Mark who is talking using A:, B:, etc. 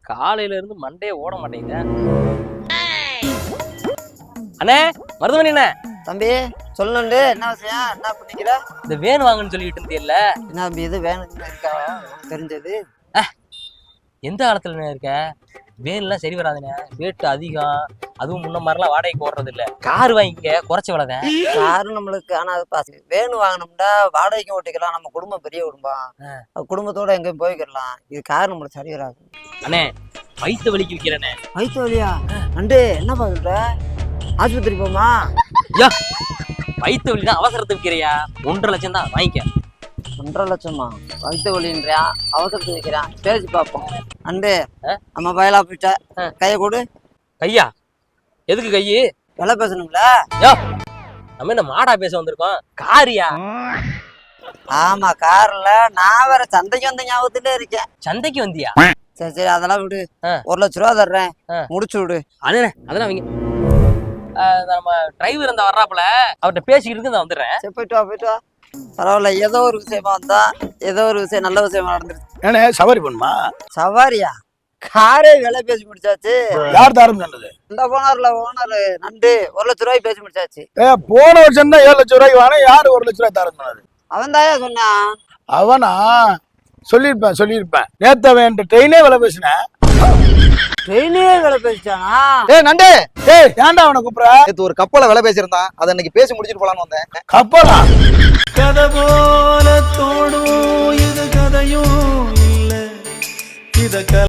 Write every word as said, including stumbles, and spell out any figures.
A: காலையில இருந்து மண்டே ஓட மாட்டேங்குது. அண்ணே மருதமணி அண்ணே.
B: தம்பி சொல்லணுண்டு என்ன விஷயம், என்ன பண்ணிக்கிற?
A: இந்த வேன் வாங்கன்னு சொல்லிட்டு இருந்தியல்ல,
B: என்ன தம்பி இது வேணும்னு இருக்கா தெரிஞ்சது?
A: எந்த காலத்துல இருக்க? வேன்லாம் சரி வராதுண்ணே, ரேட்டு அதிகம். அதுவும் முன்ன மாதிரிலாம் வாடகைக்கு ஓடுறது இல்ல. கார் வாங்கிக்க, குறைச்ச விலதான்.
B: காரு நம்மளுக்கு ஆனா அது பாசு வேணும் வாங்கினோம்னா வாடகைக்கும் ஓட்டிக்கலாம். நம்ம குடும்பம் பெரிய குடும்பம், குடும்பத்தோட எங்கேயும் போய்க்கிடலாம். இது கார் நம்மளுக்கு சரி வராது.
A: அண்ணே வயிற்று வலிக்கு விற்கிறேண்ணே.
B: வயிற்று வலியா? நண்டு என்னப்பா சொல்ற? ஆஸ்பத்திரி போமா?
A: யா வயிற்று வலி தான் அவசரத்துக்கு விற்கிறியா? ஒன்றரை லட்சம் தான் வாங்கிக்க.
B: ஒன்றரை லட்சமா? வயிற்று வலின்றியா, அவசரத்துக்கு வைக்கிறான். பேசி பார்ப்போம். நண்டு நம்ம பயலா போயிட்ட, கையை கொடு.
A: கையா? எதுக்கு கையி?
B: விலை பேசணும்ல.
A: யோ நம்ம என்ன மாடா பேச வந்திருக்கோம்? காரியா?
B: ஆமா கார்ல. நான் வேற சந்தைக்கு வந்த ஞாபகத்திலே இருக்கேன்.
A: சந்தைக்கு வந்தியா?
B: சரி சரி அதெல்லாம் விடு. ஒரு லட்ச ரூபா தர்றேன், முடிச்சு விடு.
A: அதுண்ணே அதெல்லாம் அவங்க நம்ம டிரைவர் அந்த வர்றாப்புல, அவர்கிட்ட பேசிக்கிட்டு இருக்கு, நான் வந்துடுறேன்.
B: சரி போயிட்டு வா போயிட்டு வா. பரவாயில்ல, ஏதோ ஒரு விஷயமா வந்தா, ஏதோ ஒரு விஷயம் நல்ல விஷயமா நடந்துருச்சு.
C: ஏன்னா சவாரி பண்ணுமா?
B: சவாரியா? காரே விலை பேசி முடிச்சாச்சு.
C: யார் தாரம் சொன்னது?
B: இந்த ஓனர்ல ஓனர் நண்டு ஒரு லட்ச ரூபாய்க்கு பேசி முடிச்சாச்சு.
C: ஏ போன வருஷம் தான் ஏழு லட்சம் ரூபாய்க்கு வாங்க, யாரு ஒரு லட்ச ரூபாய் தாரம் சொன்னது?
B: அவன் தாயா சொன்னான்.
C: அவனா? சொல்லியிருப்பேன் சொல்லியிருப்பேன். நேத்த வேண்ட ட்ரெயினே விலை பேசினேன்.
B: ட்ரெயினே விலை பேசிச்சானா?
D: ஏய் நண்டு,
C: ஏய் ஏன்டா அவனை கூப்பிடுற?
D: நேத்து ஒரு கப்பலை விலை பேசியிருந்தான், அதை இன்னைக்கு பேசி முடிச்சிட்டு போலான்னு வந்தேன்.
C: கப்பலா?
E: கதை போல தோடும் இது கதையும் இல்ல, இத